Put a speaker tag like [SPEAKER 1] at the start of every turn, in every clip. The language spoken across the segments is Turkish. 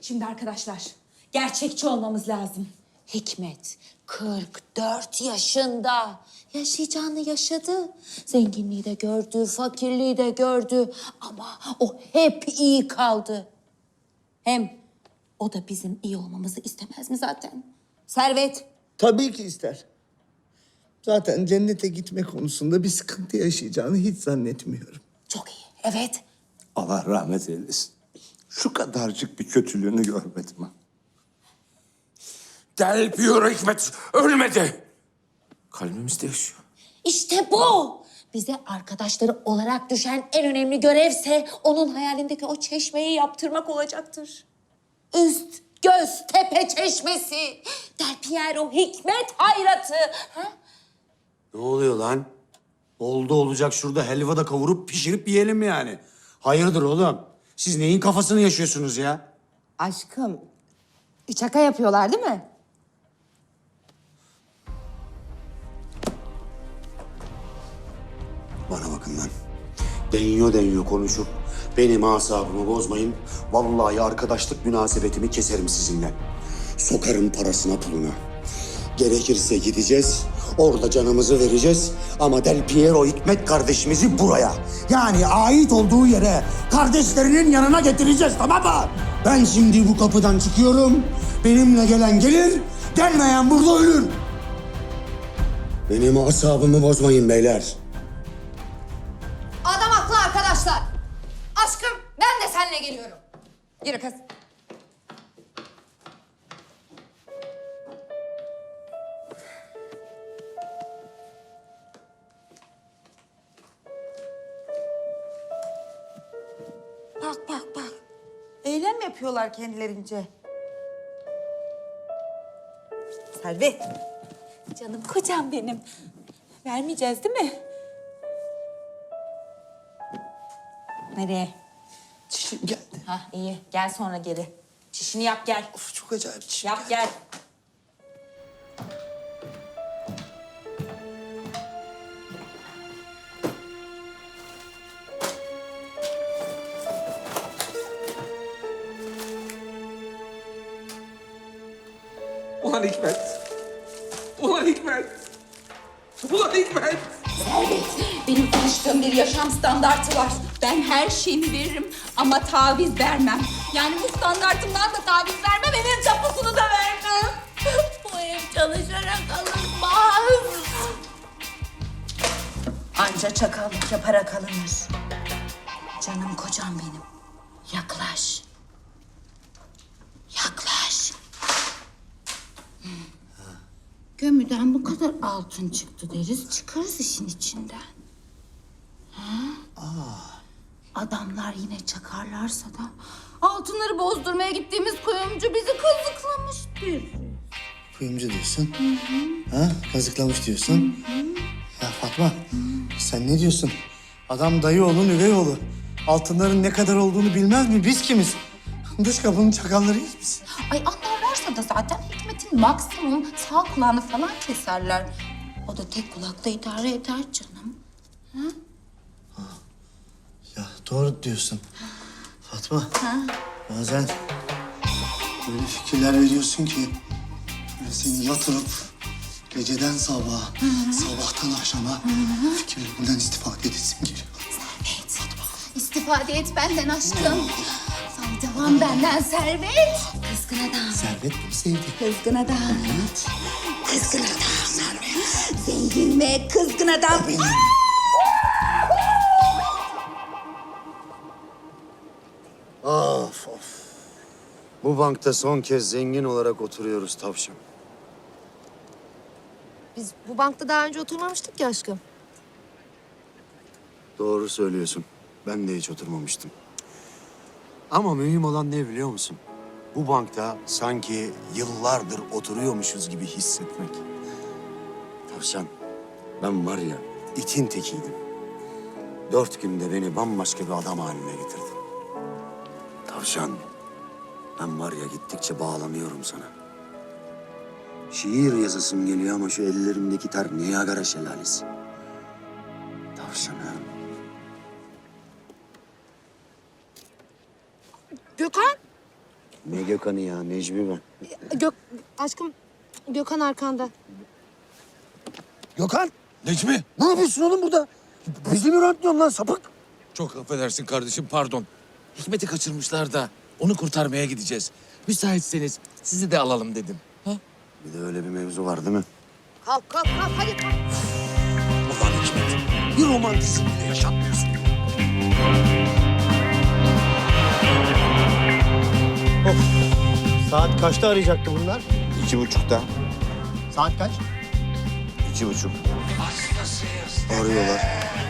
[SPEAKER 1] Şimdi arkadaşlar, gerçekçi olmamız lazım. Hikmet 44 yaşında. Yaşayacağını yaşadı. Zenginliği de gördü, fakirliği de gördü. Ama o hep iyi kaldı. Hem o da bizim iyi olmamızı istemez mi zaten? Servet.
[SPEAKER 2] Tabii ki ister. Zaten cennete gitme konusunda bir sıkıntı yaşayacağını hiç zannetmiyorum.
[SPEAKER 1] Çok iyi, evet.
[SPEAKER 3] Allah rahmet eylesin. Şu kadarcık bir kötülüğünü görmedim ha. Del Piero Hikmet ölmedi. Kalbimizde yaşıyor.
[SPEAKER 1] İşte bu. Bize arkadaşları olarak düşen en önemli görevse onun hayalindeki o çeşmeyi yaptırmak olacaktır. Üst, göz, tepe çeşmesi. Del Piero Hikmet hayratı. Ha?
[SPEAKER 4] Ne oluyor lan? Oldu olacak şurada helva da kavurup pişirip yiyelim yani. Hayırdır oğlum? Siz neyin kafasını yaşıyorsunuz ya?
[SPEAKER 5] Aşkım, şaka yapıyorlar değil mi?
[SPEAKER 4] Bana bakın lan. Deniyor konuşup benim asabımı bozmayın. Vallahi arkadaşlık münasebetimi keserim sizinle. Sokarım parasına puluna. Gerekirse gideceğiz, orada canımızı vereceğiz. Ama Del Piero Hikmet kardeşimizi buraya, yani ait olduğu yere, kardeşlerinin yanına getireceğiz, tamam mı? Ben şimdi bu kapıdan çıkıyorum. Benimle gelen gelir, gelmeyen burada ölür. Benim asabımı bozmayın beyler.
[SPEAKER 5] Adam haklı arkadaşlar. Aşkım, ben de seninle geliyorum. Yürü kız.
[SPEAKER 6] Bak bak bak. Eylem yapıyorlar kendilerince. Servet.
[SPEAKER 1] Canım kocam benim. Vermeyeceğiz değil mi? Nereye?
[SPEAKER 2] Çişim geldi.
[SPEAKER 1] Ha iyi. Gel sonra geri. Çişini yap gel.
[SPEAKER 2] Of, çok acayip çişim.
[SPEAKER 1] Yap gel.
[SPEAKER 3] Ulan Hikmet. Ulan Hikmet. Ulan Hikmet.
[SPEAKER 1] Servet, benim tanıştığım bir yaşam standartı var. Ben her şeyimi veririm ama taviz vermem. Yani bu standartımdan da taviz vermem, evin tapusunu da vermem. Bu ev çalışarak alınmaz. Anca çakallık yaparak alınır. Canım kocam benim. Yaklaş. Yaklaş. Gömüden bu kadar altın çıktı deriz, çıkarız işin içinden. Adamlar yine çakarlarsa da altınları bozdurmaya gittiğimiz kuyumcu bizi kazıklamıştır.
[SPEAKER 2] Kuyumcu diyorsun. Ha? Kazıklamış diyorsun. Ya Fatma, sen ne diyorsun? Adam dayı oğlu, üvey oğlu. Altınların ne kadar olduğunu bilmez mi? Biz kimiz? Dış kapının çakallarıyız biz.
[SPEAKER 1] Ay anlarlarsa da zaten Hikmet'in maksimum sağ kulağını falan keserler. O da tek kulakla idare eder canım.
[SPEAKER 2] Ya doğru diyorsun. Fatma, bazen böyle fikirler veriyorsun ki böyle seni yatırıp geceden sabaha, sabahtan akşama fikirlerinden istifade edesim geliyor.
[SPEAKER 1] Evet. İstifade et benden aşkım. Faydalan benden Servet. Kızgın adam.
[SPEAKER 2] Servet bunu sevdi.
[SPEAKER 1] Kızgın adam.
[SPEAKER 2] Evet.
[SPEAKER 1] Kızgın adam Servet. Zengin ve kızgın adam.
[SPEAKER 4] Of of. Bu bankta son kez zengin olarak oturuyoruz tavşan.
[SPEAKER 5] Biz bu bankta daha önce oturmamıştık ya aşkım.
[SPEAKER 4] Doğru söylüyorsun. Ben de hiç oturmamıştım. Ama mühim olan ne biliyor musun? Bu bankta sanki yıllardır oturuyormuşuz gibi hissetmek. Tavşan, ben var ya itin tekiydim. 4 günde beni bambaşka bir adam haline getirdin. Tavşan, ben var ya gittikçe bağlanıyorum sana. Şiir yazasım geliyor ama şu ellerimdeki ter Niagara şelalesi. Tavşanım.
[SPEAKER 5] Gökhan,
[SPEAKER 4] Ne Gökhan'ı ya? Necmi ben.
[SPEAKER 5] Aşkım Gökhan arkanda.
[SPEAKER 7] Gökhan,
[SPEAKER 3] Necmi.
[SPEAKER 7] ne yapıyorsun oğlum burada? Bizi mi rantlıyorsun lan sapık?
[SPEAKER 3] Çok affedersin kardeşim, pardon. Hikmet'i kaçırmışlar da onu kurtarmaya gideceğiz. Müsaitseniz sizi de alalım dedim. Ha?
[SPEAKER 4] Bir de öyle bir mevzu var değil mi?
[SPEAKER 5] Kalk hadi kalk.
[SPEAKER 7] Ulan Hikmet, bir romantizm bile yaşatmıyorsun.
[SPEAKER 2] Saat kaçta arayacaktı bunlar?
[SPEAKER 4] 2.30'da.
[SPEAKER 2] Saat kaç?
[SPEAKER 4] 2.30. Arıyorlar.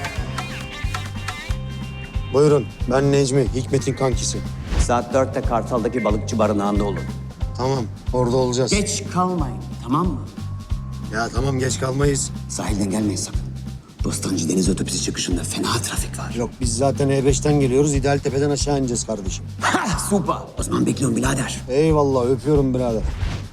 [SPEAKER 4] Buyurun, ben Necmi, Hikmet'in kankisi.
[SPEAKER 8] Saat 4'te Kartal'daki balıkçı barınağında olun.
[SPEAKER 4] Tamam, orada olacağız.
[SPEAKER 8] Geç kalmayın, tamam mı?
[SPEAKER 4] Ya tamam, geç kalmayız.
[SPEAKER 8] Sahilden gelmeyin sakın. Bostancı Deniz Otobüsü çıkışında fena trafik var.
[SPEAKER 4] Yok, biz zaten E5'ten geliyoruz. İdealtepe'den aşağı ineceğiz kardeşim.
[SPEAKER 8] Ha, süper. O zaman bekliyorum birader.
[SPEAKER 4] Eyvallah, öpüyorum birader.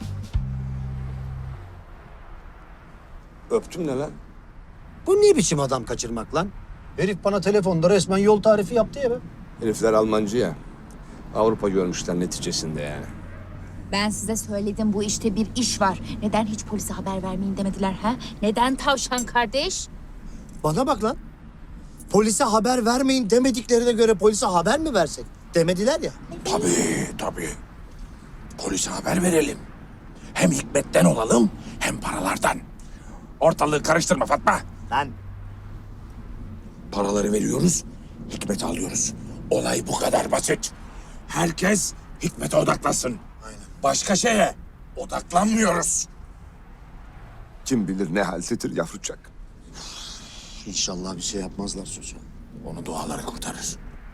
[SPEAKER 3] Öptüm ne lan?
[SPEAKER 2] Bu ne biçim adam kaçırmak lan? Herif bana telefonda resmen yol tarifi yaptı ya be.
[SPEAKER 3] Herifler Almancı ya. Avrupa görmüşler neticesinde yani.
[SPEAKER 1] Ben size söyledim bu işte bir iş var. Neden hiç polise haber vermeyin demediler ha? Neden tavşan kardeş?
[SPEAKER 2] Bana bak lan. Polise haber vermeyin demediklerine göre polise haber mi versek? Demediler ya.
[SPEAKER 7] Tabii. Polise haber verelim. Hem Hikmet'ten olalım hem paralardan. Ortalığı karıştırma Fatma.
[SPEAKER 2] Lan
[SPEAKER 7] Paraları veriyoruz, Hikmet'i alıyoruz. Olay bu kadar basit. Herkes Hikmet'e odaklasın. Başka şeye odaklanmıyoruz.
[SPEAKER 3] Kim bilir ne haltedir yavrucak.
[SPEAKER 4] İnşallah bir şey yapmazlar çocuğa.
[SPEAKER 7] Onu duaları kurtarır.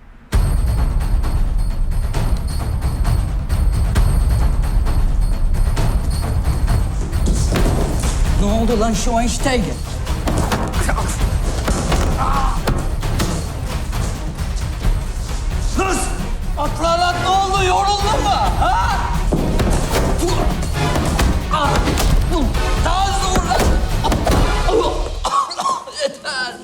[SPEAKER 8] Ne oldu lan şu Einstein'e? Kız! Atlanak ne oldu? Yoruldun mu? Ha? Daha hızlı vur lan! Yeter!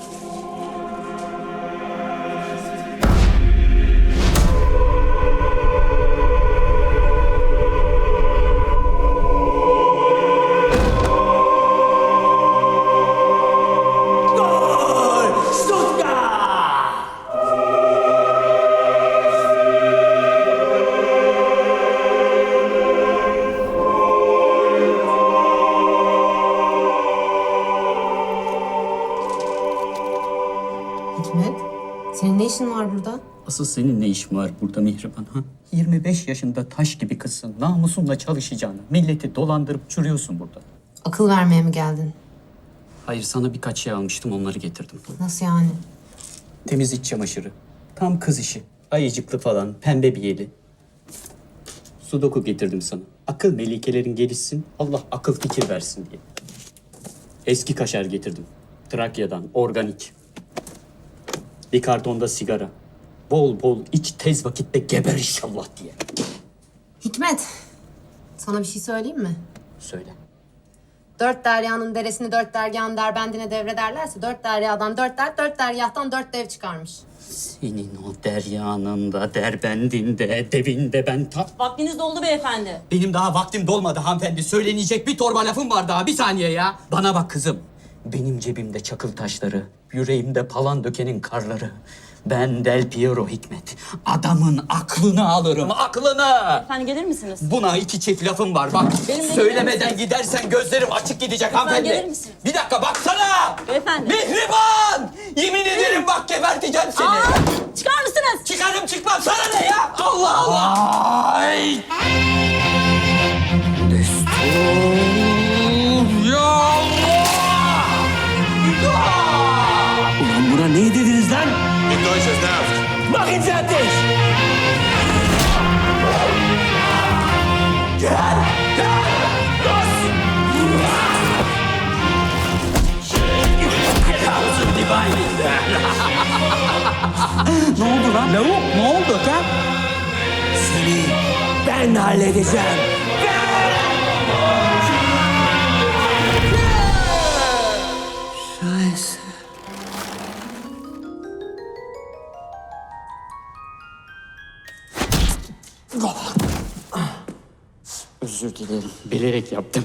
[SPEAKER 5] Hikmet, senin ne işin var burada?
[SPEAKER 9] Asıl senin ne işin var burada Mihriban ha? 25 yaşında taş gibi kızsın. Namusunla çalışacağını, milleti dolandırıp çürüyorsun burada.
[SPEAKER 5] Akıl vermeye mi geldin?
[SPEAKER 9] Hayır, sana birkaç şey almıştım, onları getirdim.
[SPEAKER 5] Nasıl yani?
[SPEAKER 9] Temiz iç çamaşırı. Tam kız işi. Ayıcıklı falan, pembe bir yeli. Sudoku getirdim sana. Akıl melikelerin gelişsin, Allah akıl fikir versin diye. Eski kaşar getirdim. Trakya'dan, organik. Bir kartonda sigara. Bol bol iç, tez vakitte geber inşallah diye.
[SPEAKER 5] Hikmet, sana bir şey söyleyeyim mi?
[SPEAKER 9] Söyle.
[SPEAKER 5] 4 deryanın deresini 4 dergahın derbendine devrederlerse 4 deryadan 4 der, 4 dergahtan 4 dev çıkarmış.
[SPEAKER 9] Senin o deryanın da, derbendinde, devinde ben ta...
[SPEAKER 10] Vaktiniz doldu beyefendi.
[SPEAKER 9] Benim daha vaktim dolmadı hanımefendi. Söylenecek bir torba lafım var daha. Bir saniye ya. Bana bak kızım. Benim cebimde çakıl taşları, yüreğimde palan dökenin karları. Ben Del Piero Hikmet. Adamın aklını alırım, aklını.
[SPEAKER 10] Efendim gelir misiniz?
[SPEAKER 9] Buna iki çift lafım var bak.
[SPEAKER 10] Benimle
[SPEAKER 9] Söylemeden gidersen gözlerim açık gidecek hanımefendi.
[SPEAKER 10] gelir misiniz?
[SPEAKER 9] Bir dakika baksana.
[SPEAKER 10] Beyefendi.
[SPEAKER 9] Mihriban! Yemin ederim bak geberteceğim seni.
[SPEAKER 10] Çıkar mısınız?
[SPEAKER 9] Çıkarım çıkmam sana ne ya? Allah Allah! Ay!
[SPEAKER 8] Ulan buna ne dediniz lan?
[SPEAKER 9] Bakın zaten!
[SPEAKER 8] Ne oldu lan? Lavuk ne oldu lan? Seni ben halledeceğim. Scheiße.
[SPEAKER 9] Özür dilerim. Bilerek yaptım.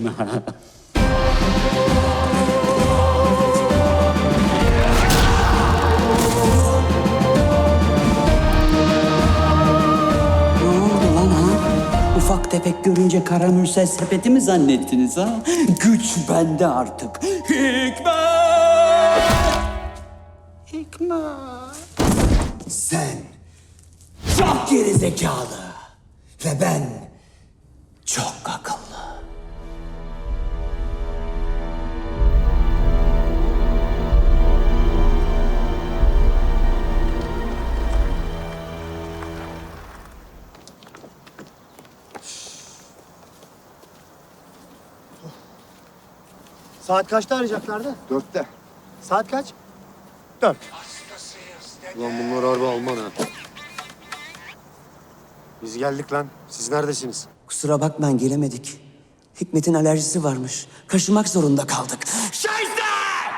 [SPEAKER 8] Ne oldu lan ha? Ufak tefek görünce karamürsel sepeti mi zannettiniz ha? Güç bende artık. Hikmet! Hikmet! Sen çok gerizekalı ve ben çok akıllı.
[SPEAKER 2] Saat kaçta arayacaklardı?
[SPEAKER 4] 4'te.
[SPEAKER 2] Saat kaç? 4.
[SPEAKER 4] Ulan bunlar harbi Alman ha.
[SPEAKER 2] Biz geldik lan. Siz neredesiniz?
[SPEAKER 8] Kusura bakmayın gelemedik. Hikmet'in alerjisi varmış. Kaşımak zorunda kaldık. Şahiste!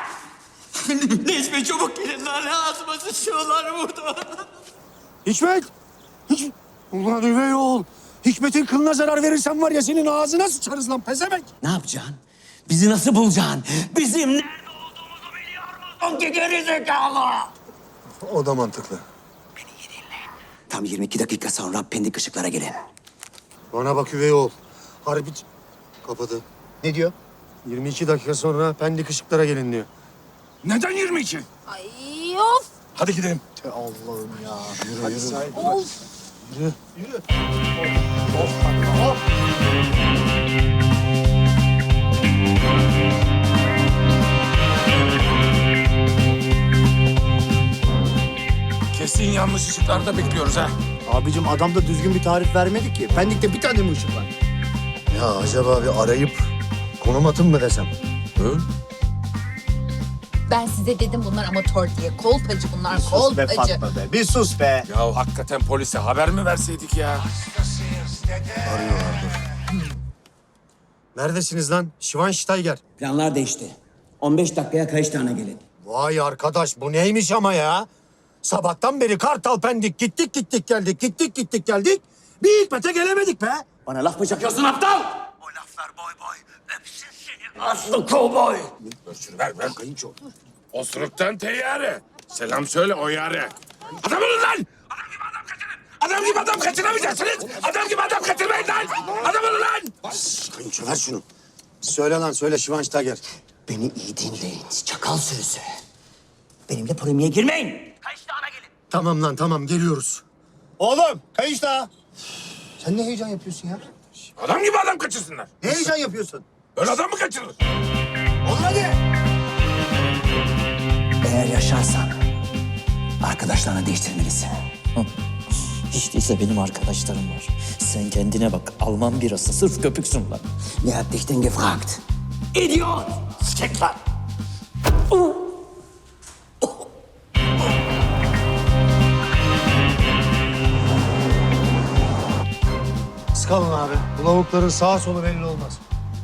[SPEAKER 8] Necmi çabuk gelin lan. Ağzıma sıçıyorlar burada.
[SPEAKER 4] Hikmet! Ulan üvey oğul. Hikmet'in kılına zarar verirsen var ya senin ağzına sıçarız lan pezevenk.
[SPEAKER 8] Ne yapacaksın? Bizi nasıl bulacaksın? Bizim nerede olduğumuzu biliyor musun ki gerizekalı?
[SPEAKER 4] O da mantıklı.
[SPEAKER 8] Tam 22 dakika sonra pendik ışıklara gelin.
[SPEAKER 4] Bana bak üvey oğul. Harbi kapadı.
[SPEAKER 2] Ne diyor?
[SPEAKER 4] 22 dakika sonra Pendik ışıklara gelin diyor.
[SPEAKER 7] Neden 22?
[SPEAKER 1] Ay of.
[SPEAKER 7] Hadi gidelim.
[SPEAKER 2] Allah'ım ya.
[SPEAKER 4] Hadi sahip.
[SPEAKER 7] Kesin yanlış ışıklarda bekliyoruz ha.
[SPEAKER 2] Abicim adam da düzgün bir tarif vermedi ki. Pendik'te bir tane mi ışık var?
[SPEAKER 4] Ya acaba bir arayıp konum atın mı desem?
[SPEAKER 7] Hı?
[SPEAKER 1] Ben size dedim bunlar amatör diye. Kolpacı bunlar,
[SPEAKER 2] Sus be
[SPEAKER 1] kolpacı.
[SPEAKER 2] Fatma be. Bir sus be.
[SPEAKER 7] Ya hakikaten polise haber mi verseydik ya?
[SPEAKER 4] Neredesiniz lan? Schweinsteiger.
[SPEAKER 8] Planlar değişti. 15 dakikaya Kayıştağ'ına gelin.
[SPEAKER 4] Vay arkadaş bu neymiş ama ya? Sabahtan beri Kartal Pendik gittik geldik. Bir Hikmet'e gelemedik be.
[SPEAKER 8] Bana laf mı çakıyorsun aptal? O laflar boy boy. Öpsün seni aslı kovboy.
[SPEAKER 7] Ver kayınço. Osuruktan teyyare. Selam söyle o yare. Adam olun lan! Adam gibi adam kaçırın! Adam gibi adam kaçıramayacaksınız! Adam gibi adam kaçırmayın lan! Adam olun lan!
[SPEAKER 4] Kayınço ver şunu. Söyle lan söyle Schweinsteiger.
[SPEAKER 8] Beni iyi dinleyin çakal sürüsü. Benimle polemiğe girmeyin.
[SPEAKER 4] Tamam lan tamam geliyoruz.
[SPEAKER 2] Oğlum kayış daha. Sen ne heyecan yapıyorsun ya?
[SPEAKER 7] Adam gibi adam kaçırsınlar.
[SPEAKER 2] Ne heyecan yapıyorsun?
[SPEAKER 7] Öyle adam mı kaçırılır?
[SPEAKER 2] Oğlum hadi.
[SPEAKER 8] Eğer yaşarsan arkadaşlarını değiştirmelisin.
[SPEAKER 11] Hiç değilse benim arkadaşlarım var. Sen kendine bak. Alman birası. Sırf köpüksün lan.
[SPEAKER 8] Wer hat dich denn gefragt? İdiot! Sikekler!
[SPEAKER 4] Sıkalım abi. Bu lavukların sağa solu belli olmaz.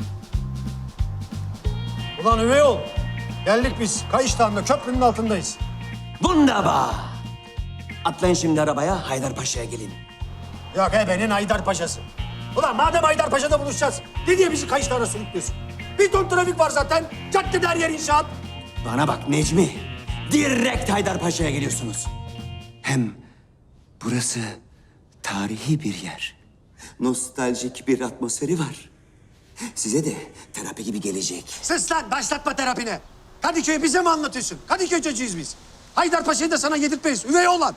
[SPEAKER 4] Ulan üvey ol. Geldik biz. Kayıştağ'ında köprünün altındayız.
[SPEAKER 8] Wunderbar! Atlayın şimdi arabaya, Haydarpaşa'ya gelin.
[SPEAKER 4] Yok benim Haydarpaşa'sı. Ulan madem Haydarpaşa'da buluşacağız, ne diye bizi Kayıştağ'a sürüklüyorsun? Bir ton trafik var zaten. Caddede her yer inşaat.
[SPEAKER 8] Bana bak Necmi, direkt Haydarpaşa'ya geliyorsunuz. Hem burası tarihi bir yer. Nostaljik bir atmosferi var. Size de terapi gibi gelecek.
[SPEAKER 4] Sus lan başlatma terapine. Kadıköy'ü bize mi anlatıyorsun? Kadıköy çocuğuyuz biz. Haydarpaşa'yı da sana yedirtmeyiz. Üvey oğlan.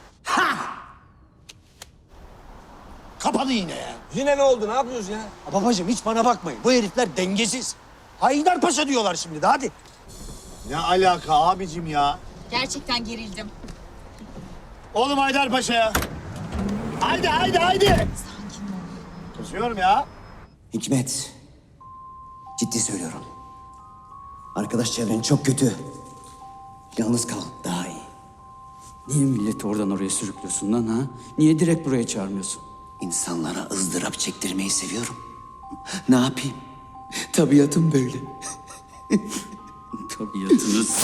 [SPEAKER 4] Kapadı yine ya.
[SPEAKER 2] Yine ne oldu? Ne yapıyoruz ya?
[SPEAKER 4] Babacığım hiç bana bakmayın. Bu herifler dengesiz. Haydarpaşa diyorlar şimdi de hadi.
[SPEAKER 2] Ne alaka abicim ya?
[SPEAKER 1] Gerçekten gerildim.
[SPEAKER 2] Oğlum Haydarpaşa'ya. Haydi. Kızıyorum ya.
[SPEAKER 8] Hikmet, ciddi söylüyorum. Arkadaş çevren çok kötü. Yalnız kal, daha iyi.
[SPEAKER 9] Niye milleti oradan oraya sürüklüyorsun lan ha? Niye direkt buraya çağırmıyorsun?
[SPEAKER 8] İnsanlara ızdırap çektirmeyi seviyorum. Ne yapayım? Tabiatım böyle.
[SPEAKER 9] Tabiatınız.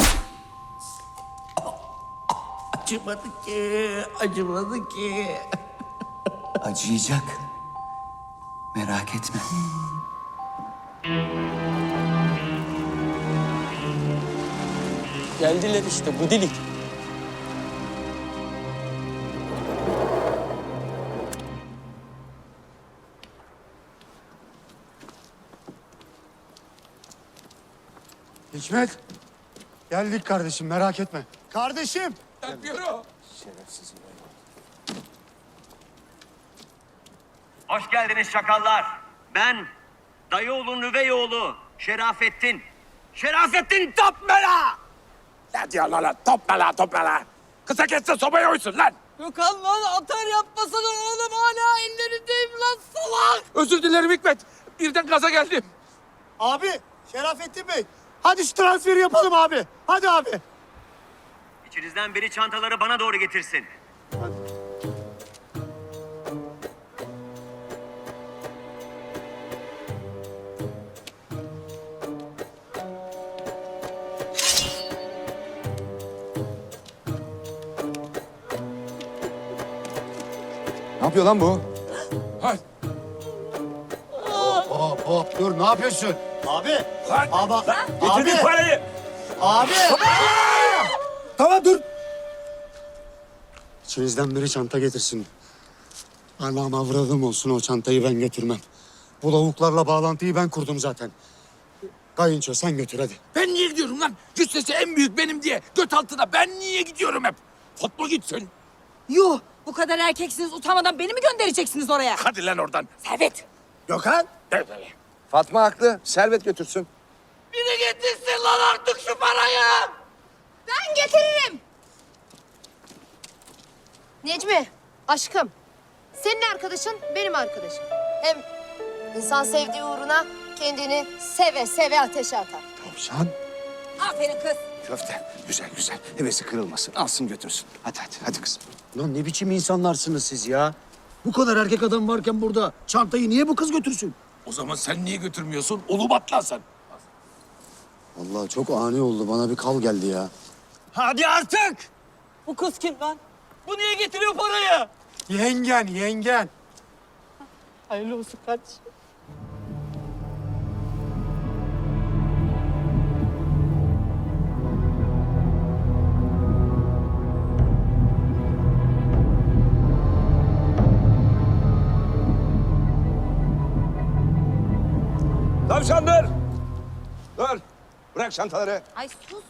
[SPEAKER 8] Acıyacak. Merak etme.
[SPEAKER 9] Geldiler işte bu dilik.
[SPEAKER 2] Hikmet. Geldik kardeşim merak etme. Kardeşim.
[SPEAKER 12] Hoş geldiniz çakallar. Ben dayıoğlu Nüveyoğlu Şerafettin. Şerafettin Topmela!
[SPEAKER 7] Ne diyor lan? Topla. Kısa kesse sobaya uysun lan.
[SPEAKER 6] Gökhan lan atar yapmasana oğlum hala ellerindeyim lan salak.
[SPEAKER 7] Özür dilerim Hikmet. Birden gaza geldim.
[SPEAKER 2] Abi Şerafettin Bey. Hadi şu transferi yapalım abi. Hadi abi.
[SPEAKER 12] İçinizden biri çantaları bana doğru getirsin.
[SPEAKER 4] Ne yapıyor lan bu?
[SPEAKER 7] Hay.
[SPEAKER 2] Hop dur ne yapıyorsun? Abi.
[SPEAKER 7] Lan.
[SPEAKER 2] Abi.
[SPEAKER 7] Getirdim
[SPEAKER 2] Abi.
[SPEAKER 7] parayı.
[SPEAKER 2] Abi. Tamam dur. İçinizden biri çanta getirsin. Anam avradım olsun o çantayı ben götürmem. Bu lavuklarla bağlantıyı ben kurdum zaten. Kayınço sen götür hadi.
[SPEAKER 7] Ben niye gidiyorum lan? Cüssesi en büyük benim diye. Göt altına ben niye gidiyorum hep? Fatma gitsin.
[SPEAKER 6] Yuh bu kadar erkeksiniz utanmadan beni mi göndereceksiniz oraya?
[SPEAKER 7] Hadi lan oradan.
[SPEAKER 6] Servet.
[SPEAKER 2] Gökhan.
[SPEAKER 7] Evet.
[SPEAKER 4] Fatma haklı. Servet götürsün.
[SPEAKER 6] Biri getirsin lan artık şu parayı.
[SPEAKER 5] Ben getiririm. Necmi, aşkım. Senin arkadaşın benim arkadaşım. Hem insan sevdiği uğruna kendini seve seve ateşe atar.
[SPEAKER 4] Tavşan.
[SPEAKER 6] Aferin kız.
[SPEAKER 4] Köfte. Güzel. Hevesi kırılmasın. Alsın götürsün. Hadi kızım.
[SPEAKER 2] Lan ne biçim insanlarsınız siz ya? Bu kadar erkek adam varken burada çantayı niye bu kız götürsün?
[SPEAKER 7] O zaman sen niye götürmüyorsun? Ulubat lan sen.
[SPEAKER 2] Vallahi çok ani oldu. Bana bir kal geldi ya.
[SPEAKER 6] Hadi artık. Bu kız kim lan? Bu niye getiriyor parayı?
[SPEAKER 2] Yengen.
[SPEAKER 6] Hayırlı olsun kardeşim.
[SPEAKER 4] Tavşan dur. Dur. Bırak çantaları.
[SPEAKER 5] Ay sus.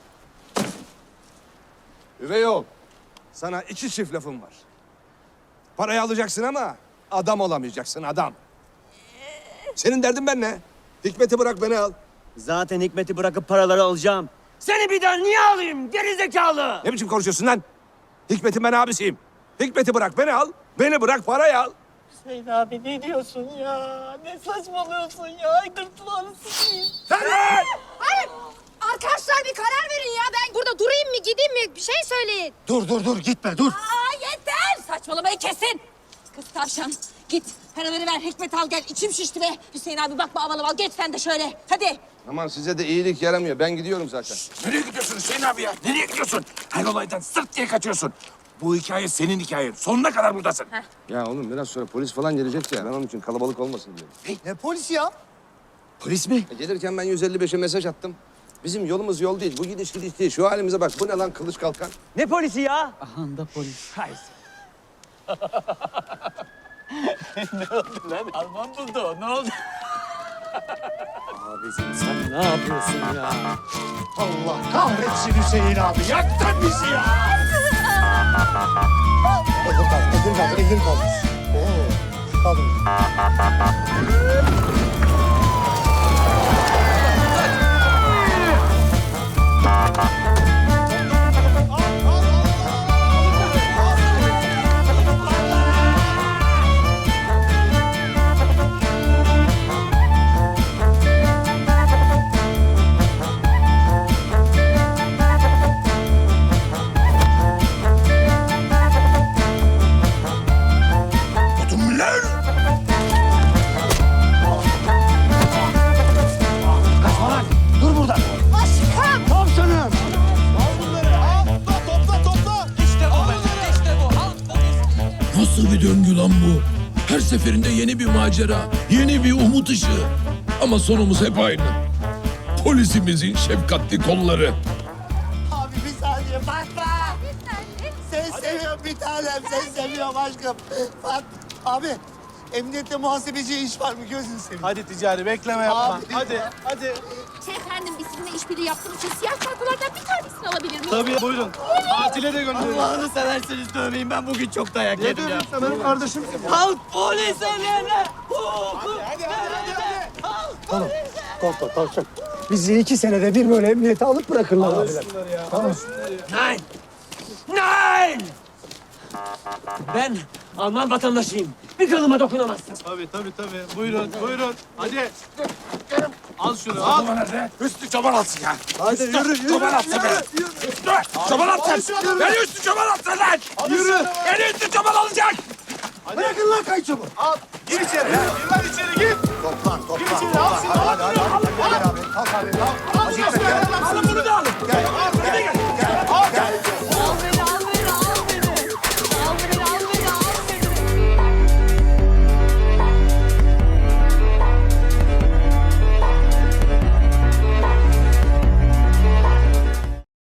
[SPEAKER 13] Üvey oğul, sana 2 çift lafım var. Parayı alacaksın ama adam olamayacaksın, adam. Senin derdin ben ne? Hikmet'i bırak beni al.
[SPEAKER 12] Zaten Hikmet'i bırakıp paraları alacağım. Seni bir daha niye alayım gerizekalı?
[SPEAKER 13] Ne biçim konuşuyorsun lan? Hikmet'in ben abisiyim. Hikmet'i bırak beni al, beni bırak parayı al.
[SPEAKER 6] Hüseyin abi ne diyorsun ya? Ne saçmalıyorsun ya? Gırtlağını sıkayım.
[SPEAKER 5] Hayır. Arkadaşlar bir karar verin ya. Ben burada durayım mı gideyim mi? Bir şey söyleyin.
[SPEAKER 2] Dur gitme dur.
[SPEAKER 6] Aa yeter. Saçmalamayı kesin. Kız tavşan git paraları ver Hikmet al gel. İçim şişti be. Hüseyin abi bakma aval aval geç sen de şöyle. Hadi.
[SPEAKER 13] Aman size de iyilik yaramıyor. Ben gidiyorum zaten.
[SPEAKER 7] Nereye gidiyorsun Hüseyin abi ya? Nereye gidiyorsun? Her olaydan sırt diye kaçıyorsun. Bu hikaye senin hikayen. Sonuna kadar buradasın.
[SPEAKER 13] Ya oğlum biraz sonra polis falan gelecek ya. Ben onun için kalabalık olmasın diyorum.
[SPEAKER 2] Ne polisi ya?
[SPEAKER 13] Polis mi? Gelirken ben 155'e mesaj attım. Bizim yolumuz yol değil. Bu gidiş değil. Şu halimize bak. Bu ne lan kılıç kalkan?
[SPEAKER 12] Ne polisi ya?
[SPEAKER 9] Aha da polis.
[SPEAKER 6] Alman buldu o ne oldu?
[SPEAKER 9] Abicim sen ne yapıyorsun ya?
[SPEAKER 2] Allah kahretsin Hüseyin abi. Yaktın bizi ya. Elim kaldı. Oo, kaldım.
[SPEAKER 7] Ödümler!
[SPEAKER 2] Kaçma lan. Dur burada.
[SPEAKER 5] Aşkım.
[SPEAKER 2] Tavşanım.
[SPEAKER 7] Nasıl bir döngü lan bu? Her seferinde yeni bir macera. macera, yeni bir umut ışığı. Ama sonumuz hep aynı. Polisimizin şefkatli kolları.
[SPEAKER 2] Abi bir saniye Fatma. Sen seviyorum bir tanem. Sen seviyorum aşkım. Abi emniyette muhasebeci iş var mı gözünü seveyim.
[SPEAKER 14] Hadi ticari bekleme yapma.
[SPEAKER 2] Abi.
[SPEAKER 14] Hadi.
[SPEAKER 6] Efendim biz sizinle işbirliği yaptığımız için siyah kartlardan bir tanesini alabilir miyim?
[SPEAKER 14] Tabii buyurun. Tatile de gönderin.
[SPEAKER 11] Allah'ını severseniz dövmeyin. Ben bugün çok dayak
[SPEAKER 14] Ne
[SPEAKER 11] yedim ya.
[SPEAKER 14] diyorsun sen benim kardeşim?
[SPEAKER 11] Halk polis emrine.
[SPEAKER 2] Tamam. Korkma tavşan. Bizi 2 senede bir böyle emniyete alıp bırakırlar abiler. Tamam.
[SPEAKER 12] Nein! Ben Alman vatandaşıyım. Bir kılıma dokunamazsın.
[SPEAKER 14] Tabii. Buyurun. Hadi. Al şunu al.
[SPEAKER 7] Çoban nerede? Üstü çoban atsın ya.
[SPEAKER 14] Hadi yürü.
[SPEAKER 7] Çoban atsın be. Üstü çoban atsın. Beni üstü çoban atsın lan.
[SPEAKER 14] Yürü.
[SPEAKER 7] Beni üstü çoban alacak.
[SPEAKER 2] Bırakın lan kayınçomu.
[SPEAKER 14] Al. Gir içeri. Gir lan içeri.